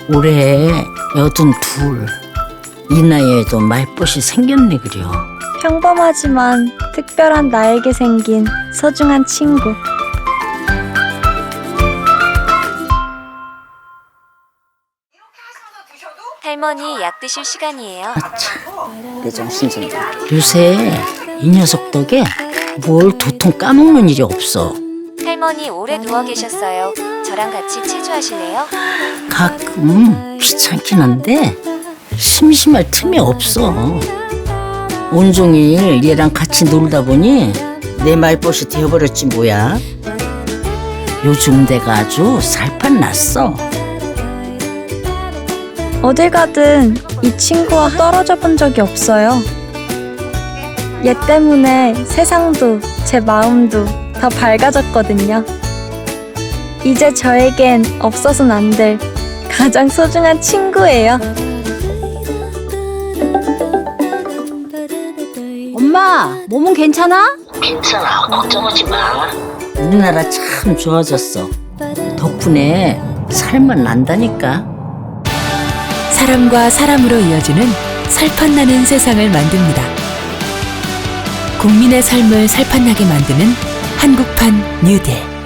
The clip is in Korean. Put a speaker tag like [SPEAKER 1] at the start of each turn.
[SPEAKER 1] 올해 82. 이 나이에도 말벗이 생겼네 그려.
[SPEAKER 2] 평범하지만 특별한 나에게 생긴 소중한 친구.
[SPEAKER 3] 할머니 약 드실 시간이에요.
[SPEAKER 1] 내 정신 좀. 요새 이 녀석 덕에 뭘 도통 까먹는 일이 없어.
[SPEAKER 3] 할머니 오래 누워 계셨어요. 저랑 같이 체조하실래요?
[SPEAKER 1] 가끔 귀찮긴 한데 심심할 틈이 없어. 온종일 얘랑 같이 놀다 보니 내 말벗이 되어버렸지 뭐야. 요즘 내가 아주 살판 났어.
[SPEAKER 2] 어딜 가든 이 친구와 떨어져 본 적이 없어요. 얘 때문에 세상도 제 마음도 더 밝아졌거든요. 이제 저에겐 없어서는 안 될 가장 소중한 친구예요.
[SPEAKER 4] 엄마, 몸은 괜찮아?
[SPEAKER 1] 괜찮아, 걱정하지 마. 우리나라 참 좋아졌어. 덕분에 살만 난다니까.
[SPEAKER 5] 사람과 사람으로 이어지는 살판나는 세상을 만듭니다. 국민의 삶을 살판나게 만드는 한국판 뉴딜.